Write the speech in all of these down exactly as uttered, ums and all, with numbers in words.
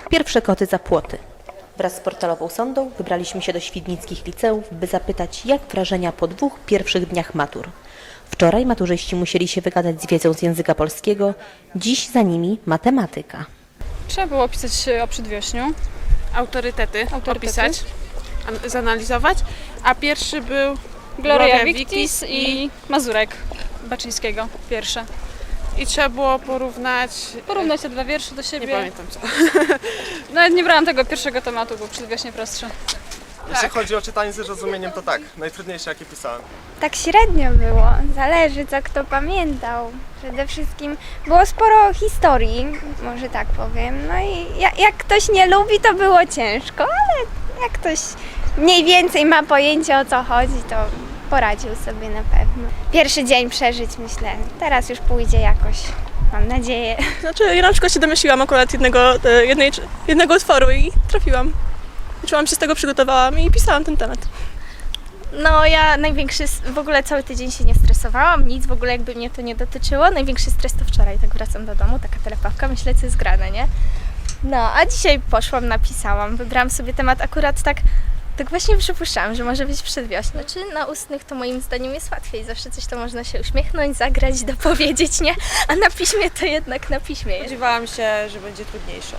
Pierwsze koty za płoty. Wraz z portalową sondą wybraliśmy się do świdnickich liceów, by zapytać, jak wrażenia po dwóch pierwszych dniach matur. Wczoraj maturzyści musieli się wygadać z wiedzą z języka polskiego, dziś za nimi matematyka. Trzeba było opisać o przedwiośniu. Autorytety, Autorytety. opisać, an- zanalizować, a pierwszy był Gloria Gloria Victis Victis i Mazurek Baczyńskiego, pierwsze. i trzeba było porównać, Porównać te dwa wiersze do nie siebie. pamiętam co. Nawet nie brałam tego pierwszego tematu, był przedwiośnie prostszy. Jeśli chodzi o czytanie z zrozumieniem, to tak, najtrudniejsze jakie pisałem. Tak średnio było, zależy co kto pamiętał. Przede wszystkim było sporo historii, może tak powiem. No i jak, jak ktoś nie lubi, to było ciężko, ale jak ktoś mniej więcej ma pojęcie o co chodzi, to poradził sobie na pewno. Pierwszy dzień przeżyć, myślę. Teraz już pójdzie jakoś, mam nadzieję. Znaczy, ja na przykład się domyśliłam akurat jednego, e, jednej, jednego utworu i trafiłam. Czułam się z tego, przygotowałam i pisałam ten temat. No ja największy, w ogóle cały tydzień się nie stresowałam, nic w ogóle jakby mnie to nie dotyczyło. Największy stres to wczoraj, tak wracam do domu, taka telepawka, myślę co jest grane, nie? No, a dzisiaj poszłam, napisałam, wybrałam sobie temat akurat tak, tak właśnie przypuszczałam, że może być przedwiośnie. Czy na ustnych to moim zdaniem jest łatwiej, zawsze coś to można się uśmiechnąć, zagrać, dopowiedzieć, nie? A na piśmie to jednak na piśmie jest. Spodziewałam się, że będzie trudniejsze.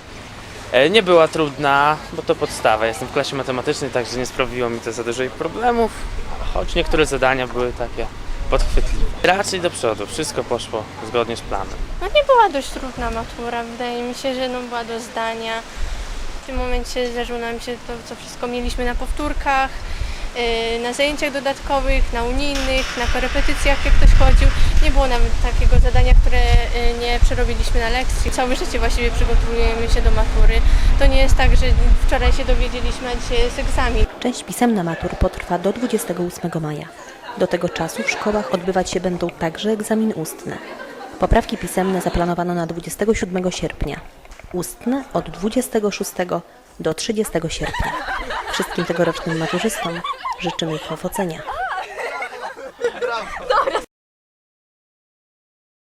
E, Nie była trudna, bo to podstawa. Jestem w klasie matematycznej, także nie sprawiło mi to za dużo problemów, choć niektóre zadania były takie podchwytliwe. Raczej do przodu, wszystko poszło zgodnie z planem. No nie była dość trudna matura, wydaje mi się, że no była do zdania. W tym momencie zdarzyło nam się to, co wszystko mieliśmy na powtórkach, yy, na zajęciach dodatkowych, na unijnych, na korepetycjach, jak ktoś chodził. Nie było nawet takiego zadania, które yy, nie przerobiliśmy na lekcji. Całe życie właściwie przygotowujemy się do matury. To nie jest tak, że wczoraj się dowiedzieliśmy, a dzisiaj jest egzamin. Część pisemna matur potrwa do dwudziestego ósmego maja. Do tego czasu w szkołach odbywać się będą także egzaminy ustne. Poprawki pisemne zaplanowano na dwudziestego siódmego sierpnia. Ustne od dwudziestego szóstego do trzydziestego sierpnia. Wszystkim tegorocznym maturzystom życzymy ich powodzenia.